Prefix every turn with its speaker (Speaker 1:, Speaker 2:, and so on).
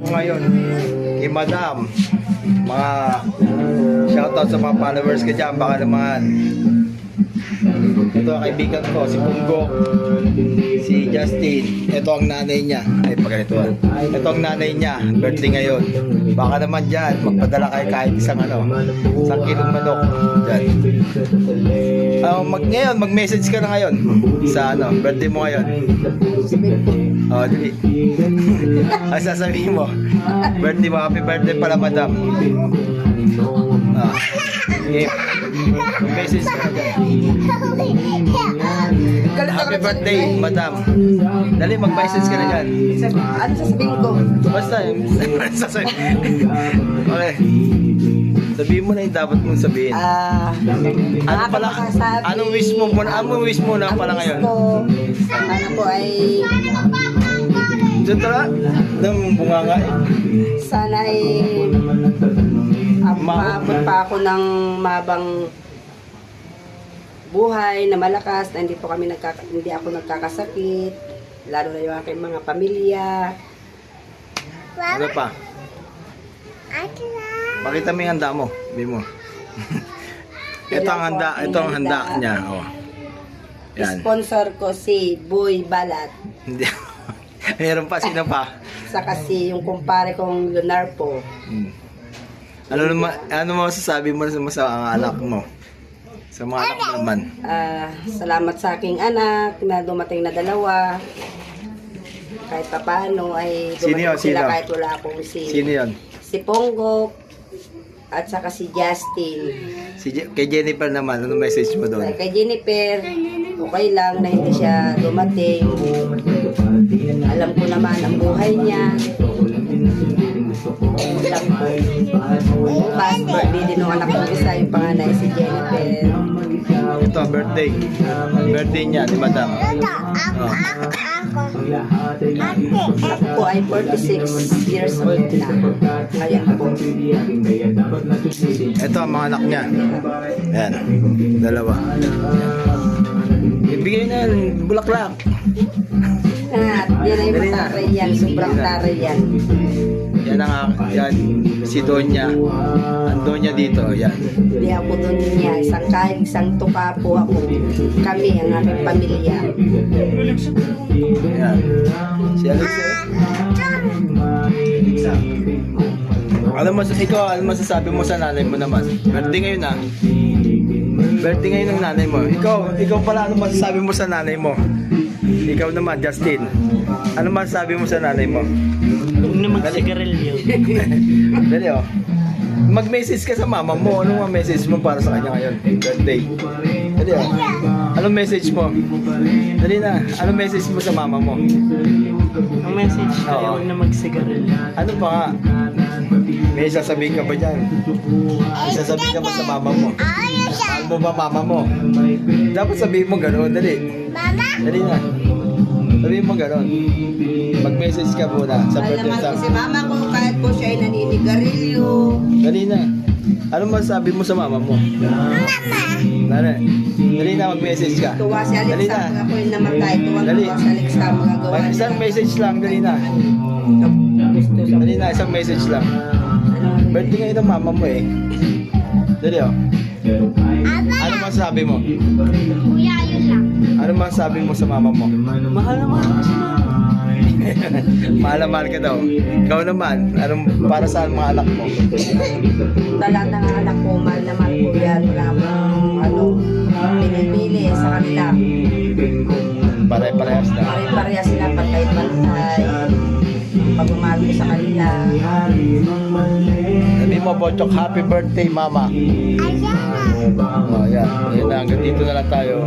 Speaker 1: ko ngayon kay Madam. Mga shoutout sa mga followers ko dyan. Baka naman. Ito ang kaibigan ko, si Punggok, si Justin. Ito ang nanay niya. Ay, pagganito. Ito ang nanay niya. Birthday ngayon. Baka naman dyan, magpadala kayo kahit isang kilong manok. Dyan. Ngayon, mag-message ka na ngayon sa birthday mo ngayon. Dali. Ang sasabihin mo, birthday mo, happy birthday pala, Madam. Okay. Mag-message ka na dyan. Happy birthday, Madam. Dali, mag-message ka na dyan.
Speaker 2: Ano sasabihin ko?
Speaker 1: Basta, okay. Sabihin mo na yung dapat mong sabihin. Ano pala? Anong wish mo muna? Anong wish mo na pala ngayon?
Speaker 2: Ano po ay
Speaker 1: Diyan tala? Nang bunganga eh.
Speaker 2: sana ay maabot pa ako ng mabang buhay na malakas na hindi ako nagkakasakit, lalo na yung aking mga pamilya.
Speaker 1: Ano pa? Pakita mo yung handa mo. Sabi mo. Ito ang handa niya. Oh. Yan.
Speaker 2: Sponsor ko si Boy Balat.
Speaker 1: Hindi. Meron pa, sino pa?
Speaker 2: Saka si yung kumpare kong Leonardo.
Speaker 1: Ano mo masasabi mo sa anak mo? Sa mga anak mo naman.
Speaker 2: Salamat sa aking anak na dumating na dalawa. Kahit pa paano ay dumating sila kahit wala akong
Speaker 1: Sino yun?
Speaker 2: Si Pongo at saka si Justin.
Speaker 1: Kay Jennifer naman, ano message mo doon?
Speaker 2: Kay Jennifer, okay lang na hindi siya dumating. Alam ko naman ang buhay niya. Bukas, birthday din ng anak ko isa, yung panganay si Jennifer.
Speaker 1: Ito, birthday. Birthday niya, ni Madam.
Speaker 2: Ako po ay 46 years old na. Kaya po.
Speaker 1: Ito ang mga anak niya. Ayan, dalawa. Ibigay na yan, bulaklak.
Speaker 2: Yan ay mataray yan, sobrang taray yan.
Speaker 1: Yan si Donya. Ang Donya dito, yan.
Speaker 2: Hindi ako doon niya, isang tuka po ako. Kami, ang aming pamilya.
Speaker 1: Yan. Si Alexa. Ano masasabi mo sa nanay mo naman? Birthday ngayon na. Birthday ngayon ng nanay mo. Ikaw pala, ano masasabi mo sa nanay mo? Ikaw naman, Justin. Ano masasabi mo sa nanay mo?
Speaker 3: Huwag na magsigarilyo.
Speaker 1: Dali oh. Mag-message ka sa mama mo. Anong message mo para sa kanya ngayon? Birthday. Dali oh. Anong message mo? Dali na. Anong message mo sa mama mo?
Speaker 3: Ang message ko, huwag na magsigarilyo.
Speaker 1: Ano pa nga? May sasabihin ka ba dyan? May sasabihin ka ba sa mama mo? Mahal mo ba mama mo? Dapat sabihin mo gano'n. Dali. Dali na. Sabihin mo gano'n. Mag-message ka muna sa birthday sa...
Speaker 2: Si mama ko kahit po siya ay naninigarilyo.
Speaker 1: Dali na. Ano masasabi mo sa mama mo? Mama! Dali na, mag-message ka.
Speaker 2: Tuwa si
Speaker 1: Dali
Speaker 2: Alexa,
Speaker 1: na.
Speaker 2: pag ako yung namatay. Tuwa
Speaker 1: Dali.
Speaker 2: si Alexa, magagawa niya.
Speaker 1: Isang message lang, dali na. Dali na, isang message lang. Birthday ngayon ng mama mo eh. Dali oh. Ano masasabi mo?
Speaker 4: Kuya, yun lang.
Speaker 1: Ano masasabi mo sa mama mo?
Speaker 3: Mahal naman ako sa mama.
Speaker 1: Mahal na mahal ka daw. Ikaw naman, anong para sa mga anak mo?
Speaker 2: Lahat ng anak ko, mahal na mahal ko yan. Wala akong pinipili sa kanila.
Speaker 1: Pare-parehas na.
Speaker 2: Pare-pareha sila pagkait-pantay. Pagmamahal ko sa kanila.
Speaker 1: Sabi mo, Bochok, happy birthday, mama.
Speaker 4: Ayan na.
Speaker 1: Oh, yan. Yan na, hanggang dito na lang tayo.